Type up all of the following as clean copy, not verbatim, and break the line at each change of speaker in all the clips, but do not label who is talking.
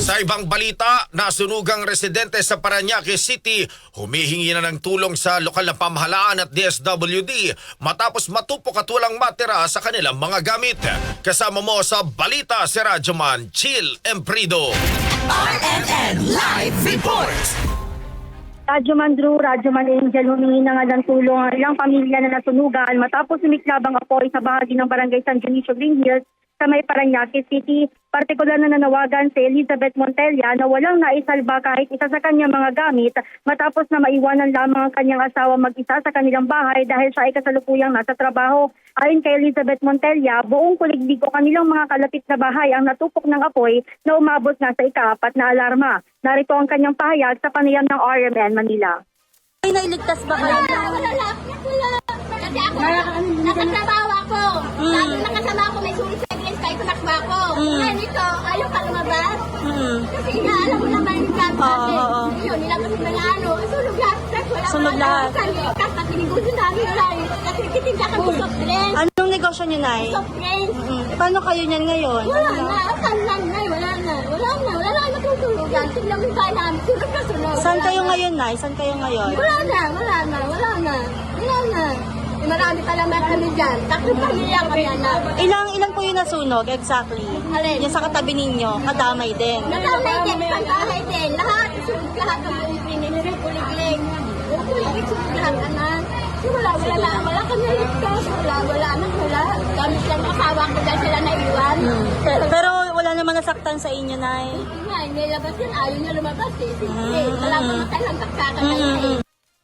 Sa ibang balita, nasunugang residente sa Parañaque City humihingi na ng tulong sa lokal na pamahalaan at DSWD matapos matupok at walang matira sa kanilang mga gamit. Kasama mo sa balita si Radyoman Chill Emprido.
RNN Live Report!
Radyoman Drew, Radyoman Angel, humingi na nga ng tulong ang ilang pamilya na nasunugan matapos sumiklabang apoy sa bahagi ng Barangay San Dionisio Green Hills sa may Parañaque City. Partikular na nanawagan si Elizabeth Montella na walang naisalba kahit isa sa kanyang mga gamit matapos na maiwanan lamang ang kanyang asawa mag-isa sa kanilang bahay dahil siya ay kasalukuyang nasa trabaho. Ayon kay Elizabeth Montella, buong kuliglig o kanilang mga kalapit na bahay ang natupok ng apoy na umabot nga sa ika-4 na alarma. Narito ang kanyang pahayag sa panayam ng RMN Manila.
Ay, nailigtas ba kayo?
Wala. Kasi ako, nakatrabaho ako. Lagi nakasama ako, may sulit sa against kahit nakba ako. Ngayon ito, ayaw ka lumabas. Kasi alam mo naman yung plan natin. Yun, nilabas mo na ano, sunog lahat.
Sunog lahat.
Kasi tinigusin namin wala yun. Kasi kitinda kami soft drinks.
Anong negosyo niyo, Nay?
Soft drinks.
Paano kayo niyan ngayon?
Wala na, saan lang na, wala na matutulugan. Tignan mo yung bahay namin, sunog na sunog.
Saan kayo ngayon, Nay? Saan kayo ngayon?
Wala na. Marami pa naman kami dyan. Tatlong pamilya kami anak.
Ilang po yung nasunog exactly?
Alin?
Yung sa katabi ninyo, kadamay din.
Nakamay din, isang bahay din. Lahat, sunog lahat ng buong pinili, kuliglig. Kuliglig, sunog lahat anak. Wala kami ligtas. Wala. Gamit lang asawa ko dahil sila naiwan.
Pero wala naman nasaktan sa inyo, Nay.
Nga, may labas yan. Ayaw niya lumabas eh. Wala mamatay lang kakakatay.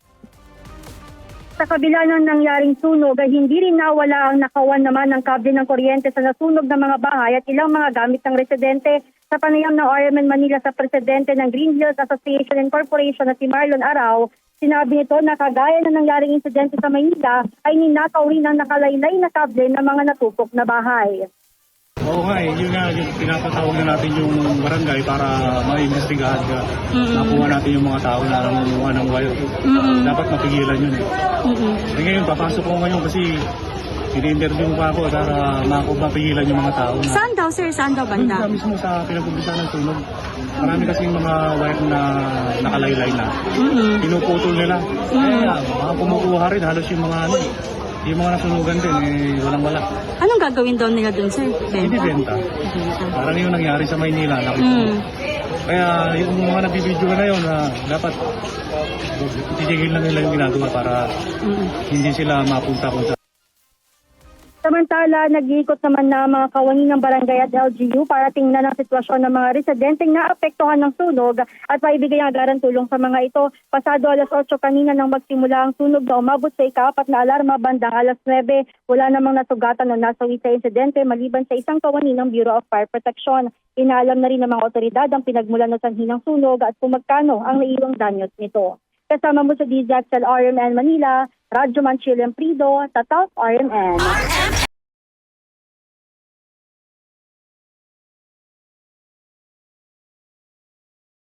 Sa kabila ng nangyaring sunog ay hindi rin nawala ang nakawan naman ng kable ng kuryente sa nasunog na mga bahay at ilang mga gamit ng residente. Sa panayam ng RMN Manila sa presidente ng Green Hills Association and Corporation na si Marlon Arao, sinabi nito na kagaya na nangyaring insidente sa Maynila ay ninakaw rin ang nakalaylay na kable ng mga natupok na bahay.
Oo nga yun nga, yung pinapatawag na natin yung barangay para maimbestigahan ka. Nakuha natin yung mga tao na nangunguha ng wire. Dapat mapigilan yun eh. Ngayon, papasok ko ngayon kasi ini-interview pa ako para mapigilan yung mga tao.
Saan daw, sir? Saan daw banda?
Doon mismo sa pinag-umpisa ng sunog. Marami kasi mga wire na nakalaylay na. Pinuputol nila. Kaya mga kumukuha rin, halos yung mga yung mga nasunugan din, walang-wala.
Anong gagawin daw nila dun, sir?
Ibibenta. Parang yung nangyari sa Maynila. Kaya yung mga nabibidyo na yun, dapat titigil na nila yung ginagawa para hindi sila mapunta kung sa...
Samantala, nag-iikot naman na mga kawani ng barangay at LGU para tingnan ang sitwasyon ng mga residenteng naapektuhan ng sunog at maibigay ang agaran tulong sa mga ito. Pasado alas 8 kanina nang magsimula ang sunog na umabot sa ika-4 na alarma bandang alas 9. Wala namang nasugatan o nasawi sa insidente maliban sa isang kawani ng Bureau of Fire Protection. Inaalam na rin ng mga otoridad ang pinagmulan ng sanhi ng sunog at kung magkano ang naiwang danyos nito. Kasama mo sa DZXL RMN Manila, Radyoman Chill Emprido, Tatak RMN.